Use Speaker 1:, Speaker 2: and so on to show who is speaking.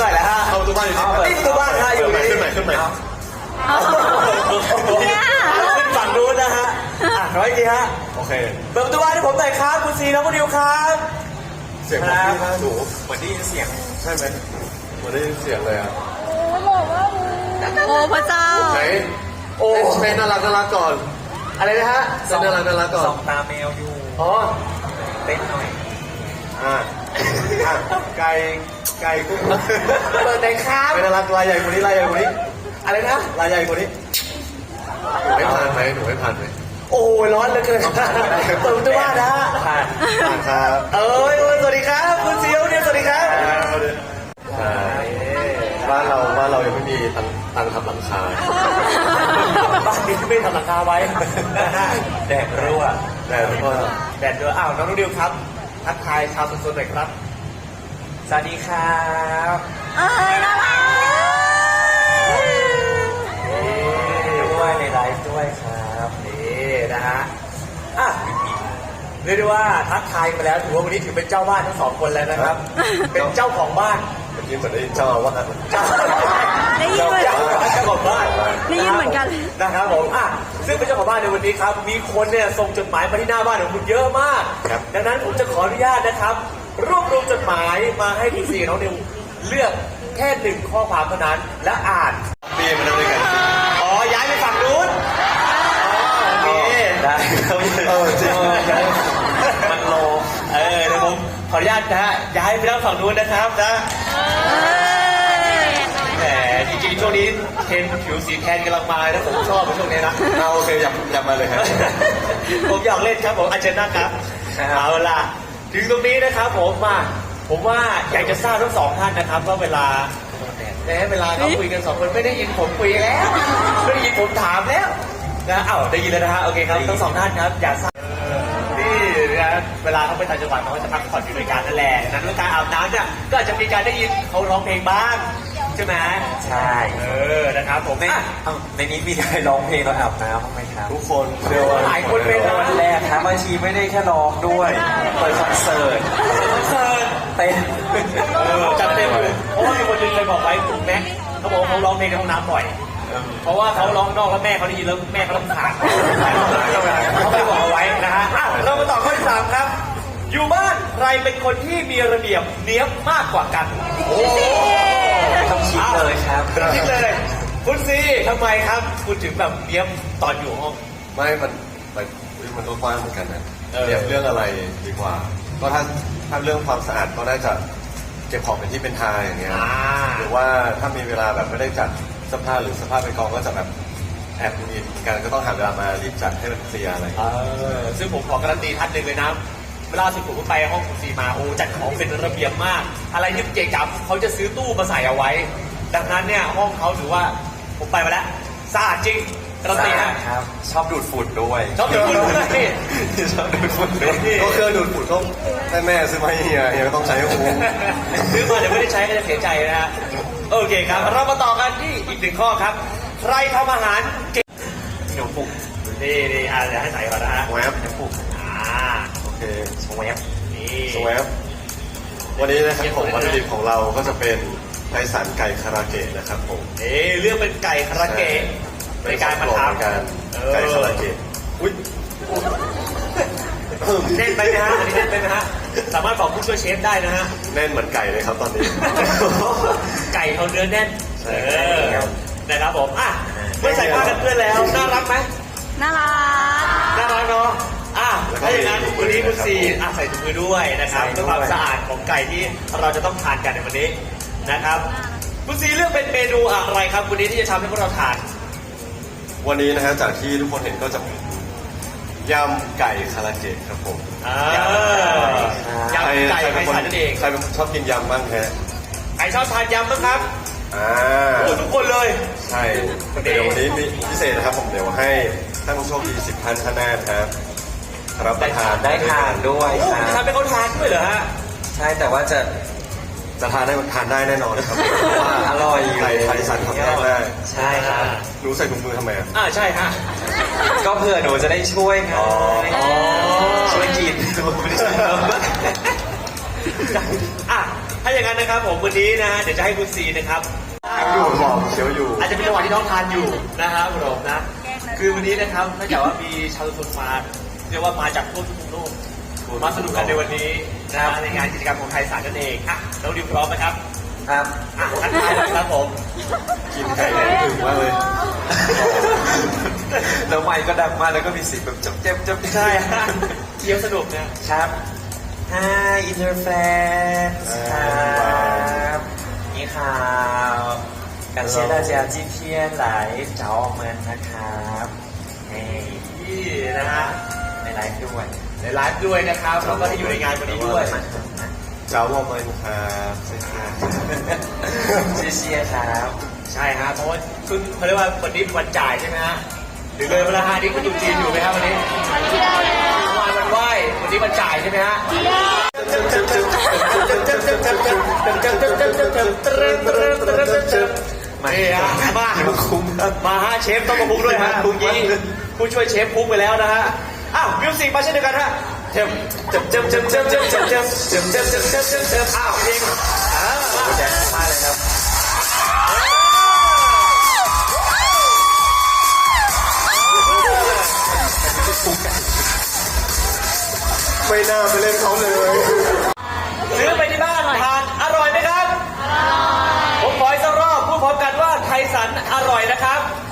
Speaker 1: ไหนแล้วฮะ
Speaker 2: เข้าประตูบ้านอยู่
Speaker 1: นี่ประตูบ้านฮะอยู่
Speaker 2: ขึ้นไหน
Speaker 1: ขึ้นฝั่งนู้นนะฮะร้อยดีฮะ
Speaker 2: โอเค
Speaker 1: เปิดประตูบ้านให้ผมหน่อยครับคุณซีน้องคุณดิวครับ
Speaker 2: เสียงของพี่น่าดู
Speaker 1: เหมือนได้ยินเสียง
Speaker 2: ใช่ไหมเหมือนได้ยินเสียงเลยอ่ะ
Speaker 3: โอ้พระเจ้า
Speaker 2: ไหนโอ้เป็นน่ารักก่อน
Speaker 1: อะไรนะฮะ
Speaker 2: เป็นน่ารักก่อน
Speaker 1: ส่องตาแมวอยู่
Speaker 2: อ๋อ
Speaker 1: เต้นหน่อย
Speaker 2: ไก่กุ้ง
Speaker 1: เปิดไหนครับ
Speaker 2: เป็นน่ารักลายใหญ่กว่านี้
Speaker 1: อะไรนะ
Speaker 2: ลายใหญ่กว่านี้หนูไม่ผ่านไหม
Speaker 1: โอ้ร้อนเหลือเกินเปิดประตูบ้านนะฮะ
Speaker 2: ผ่านครับ
Speaker 1: สวัสดีครับคุณซีเนี่ยสวัสดีครับ
Speaker 2: บ้านเรายังไม่มีตังทำหลังคา
Speaker 1: บ้านนี้ไม่ทำหลังคาไว้แดดรั่ว
Speaker 2: แดดรั่ว
Speaker 1: น้องดิวครับทักทายชาวสุนหน่อยครับสวัสดีครับ
Speaker 3: น่ารัก
Speaker 1: ด้วยในไลฟ์ด้วยครับนี่นะฮะเรียกได้ว่าทักทายมาแล้วถือว่าวันนี้ถือเป็นเจ้าบ้านทั้งสองคนแล้วนะครับเป็นเจ้าของบ้าน
Speaker 2: เมื่อกี้เหมือนได้ยินเจ้าว่า
Speaker 3: ได้ยินเหมือนกัน
Speaker 1: เจ้าของบ้าน
Speaker 3: ได้ยินเหมือนกัน
Speaker 1: นะครับผมซึ่งเป็นเจ้าของบ้านในวันนี้ครับมีคนเนี่ยส่งจดหมายมาที่หน้าบ้านของคุณเยอะมากดังนั้นผมจะขออนุญาตนะครับรวบรวมจดหมายมาให้พี่ซีน้องนิวเลือกแค่1ข้อความเท่านั้นและอ่าน
Speaker 2: ปีมานั่งด้วยกัน
Speaker 1: ย้ายไปฝั่งนู้นโอเค
Speaker 2: ได้ครับจริง
Speaker 1: มันโลเดี๋ยวผมขออนุญาตนะฮะย้ายไปแล้วฝั่งนู้นนะครับนะแหมจริงๆช่วงนี้เทรนผิวสีแทนกำลังมานะผมชอบช่วงนี้นะ
Speaker 2: โอเคอยากมาเลยครับ
Speaker 1: ผมอยากเล่นครับผมอาเจนนะครับเอาล่ะถึงตรงนี้นะครับผมว่าอยากจะทราบทั้งสองท่านนะครับว่าเวลาเขาคุยกันสองคนไม่ได้ยินผมคุยแล้วไม่ได้ยินผมถามแล้วนะได้ยินแล้วนะฮะโอเคครับทั้งสองท่านครับอยากทราบนี่นะเวลาเขาไปต่างจังหวัดเขาจะพักผ่อนอยู่ในการนั่นแหละนั้นเรื่องการอาบน้ำเนี่ยก็อาจจะมีการได้ยินเขาร้องเพลงบ้างใช่ไหม
Speaker 4: ใช่
Speaker 1: นะครับผม
Speaker 4: ในนี้มีใครร้องเพลงเราอาบน้ำบ้างไหมครับ
Speaker 2: ทุกคนเชื่อว่า
Speaker 1: หลายคนเป็น
Speaker 4: วันแรกครับบางทีไม่ได้แค่ร้องด้วยเปิดคอนเสิร์ตเต้น
Speaker 1: จัดเต็มเลยเพราะว่ามีคนนึงเคยบอกไว้คุณแม็กเขาบอกเขาร้องเพลงในห้องน้ำบ่อยเพราะว่าเขาร้องนอกแล้วแม่เขาได้ยินแล้วแม่เขารำคาญเขาไม่บอกเอาไว้นะฮะเรามาต่อข้อที่3ครับอยู่บ้านใครเป็นคนที่มีระเบียบเนี้ยบมากกว่ากัน
Speaker 4: ต้องคิดเลยครับ
Speaker 1: คิดเลยคุณซีทำไมครับคุณถึงแบบเนี้ยบตอนอยู่ห้อง
Speaker 2: ไม่มันก็กว้างเหมือนกันนะเรียบเรื่องอะไรดีกว่าก็ถ้าเรื่องความสะอาดก็น่าจะเก็บของเป็นที่เป็นทางอย่างเงี้ยหรือว่าถ้ามีเวลาแบบไม่ได้จัดเสื้อผ้าหรือเสื้อผ้าเป็นกองก็จะแบบแอบมีกันก็ต้องหาเวลามารีบจัดให้มันเคลียร์อะไร
Speaker 1: ซึ่งผมขอการันตีท่านหนึ่งเลยนะเวลาสุดผมไปห้องคุณซีมาจัดของเป็นระเบียบมากอะไรที่เก๋กับเขาจะซื้อตู้มาใส่เอาไว้ดังนั้นเนี่ยห้องเขาถือว่าผมไปมาแล้วสะอาดจริงการันตี
Speaker 4: ครับชอบดูดฝุ่นด้วย
Speaker 1: ชอบดูดฝุ่นนี่
Speaker 4: ชอบดูดฝุ่นด้วย
Speaker 2: ก็เครื่องดูดฝุ่นก็แม่ซื้อมาให้เฮียก็ต้องใช้โอ้
Speaker 1: ซื้อมาเดี๋ยวไม่ได้ใช้ก็จะเสียใจนะฮะโอเคครับเรามาต่อกันที่อีก1ข้อครับใครทำอาหารเก่งหนูปุ๊กนี่เดี๋ยวให้ใส่ก่อนนะฮะ
Speaker 2: แวบปุ๊กโอเค
Speaker 1: สวบนี่
Speaker 2: สวบวันนี้นะครับผมวัตถุดิบของเราก็จะเป็นไทสันไก่คาราเกะนะครับผม
Speaker 1: เรื่องเป็นไก่คาราเกะในการมาทำ
Speaker 2: ไก่คาราเกะอุ้ย
Speaker 1: แน่นไปไหมฮะอันนี้แน่นไปไหมฮะสามารถบอกผู้ช่วยเชฟได้นะฮะ
Speaker 2: แน่นเหมือนไก่เลยครับตอนนี้
Speaker 1: ไก่เขาเนื้อแน่นนะครับผมเมื่อใส่ผ้ากันเปื้อนแล้วน่ารักไหม
Speaker 3: น่ารั
Speaker 1: กเนาะถ้าอย่างนั้นวันนี้คุณซีใส่ถุงมือด้วยนะครับเพื่อความสะอาดของไก่ที่เราจะต้องทานกันในวันนี้นะครับคุณซีเลือกเป็นเมนูอะไรครับวันนี้ที่จะทำให้พวกเราทาน
Speaker 2: วันนี้นะฮะจากที่ทุกคนเห็นก็จะยำไก่คาราเกะครับผม
Speaker 1: ยำไก่ไก่สันนั่นเอง
Speaker 2: ใครเป็นชอบกินยำบ้างฮะ
Speaker 1: ใครชอบทานยำบ้างครับทุกคนเลย
Speaker 2: ใช่เดี๋ยววันนี้มีพิเศษนะครับผมเดี๋ยวให้ท่านผู้โชคดี10 ท่านข้างหน้าครับรับประทาน
Speaker 4: ได้ทานด้วย
Speaker 1: ครับทานเป็นคนทานด้วยเหรอฮะ
Speaker 4: ใช่แต่ว่าจะ
Speaker 2: ทานได้แน่นอนครับ
Speaker 4: ว่าอร่อย
Speaker 2: ไก่ไทยสันทำได้
Speaker 4: ใช่ครับ
Speaker 2: หนูใส่ถุงมือทำไม
Speaker 1: ใช่ฮะ
Speaker 4: ก็เผื่อหนูจะได้ช่วยครับช่วยกิน
Speaker 1: ถ้าอย่างนั้นนะครับผมวันนี้นะเดี๋ยวจะให้คุณซีนะครับ
Speaker 2: อยู่บอกเชียวอยู่
Speaker 1: อาจจะเป็นจังหวะที่น้องทานอยู่นะครับผมนะ คือวันนี้นะครับถ้าเกิดว่ามีชาวชุมชนมาเรียกว่ามาจากทั่วทุกมุมโลกมาสนุกกันในวันนี้นะในงานกิจกรรมของไทยสารนั่นเองอ่ะน้องดิวพร้อมไหมครับ
Speaker 4: ครับ
Speaker 1: อ่ะทักทายหน่อยครับผม
Speaker 2: กินไก่เลยถึงมากเลย
Speaker 4: แล้วไมค์ก็ดังมากแล้วก็มีเสียงแบบจับเจ็บจับ
Speaker 1: ใช่ฮะเที่ยวสนุกนะ
Speaker 4: ครับ Hi inner fans ครับนี่ข่าว感谢大家今天来找我们นะครับนี่
Speaker 1: นี่นะฮะ
Speaker 4: ในไลฟ์ด้วย
Speaker 1: ในไลฟ์ด้วยนะครับแล้วก็ที่อยู่ในงานวันนี้ด้วย
Speaker 2: เจ้าวอมเลยครับใช่ครับ
Speaker 4: ชื่อเชียร์ครับ
Speaker 1: ใช่ฮะเพราะว่าคุณเขาเรียกว่าวันนี้เป็นวันจ่ายใช่ไหมฮะหรือเลยเวลาฮะนี่คุณอยู่จีนอยู่ไหมครับวันนี้วันไหว้วันนี้วันจ่ายใช่ไหมฮะนี่ฮะมาฮะเชฟต้องมาคุกด้วยฮะคุกยี่ผู้ช่วยเชฟคุกไปแล้วนะฮะอ้าวมิวสิกมาเช่นเดียวกันฮะเจิมอ้าวเพลง
Speaker 4: แจ็คมากเลยครับ
Speaker 2: ไม่น่าไปเล่นเขาเลย
Speaker 1: ซื้อไปที่บ้านทานอร่อยไหมครับ ผมขออีกสักรอบพูดพร้อมกันว่าไทยสันอร่อยนะครับ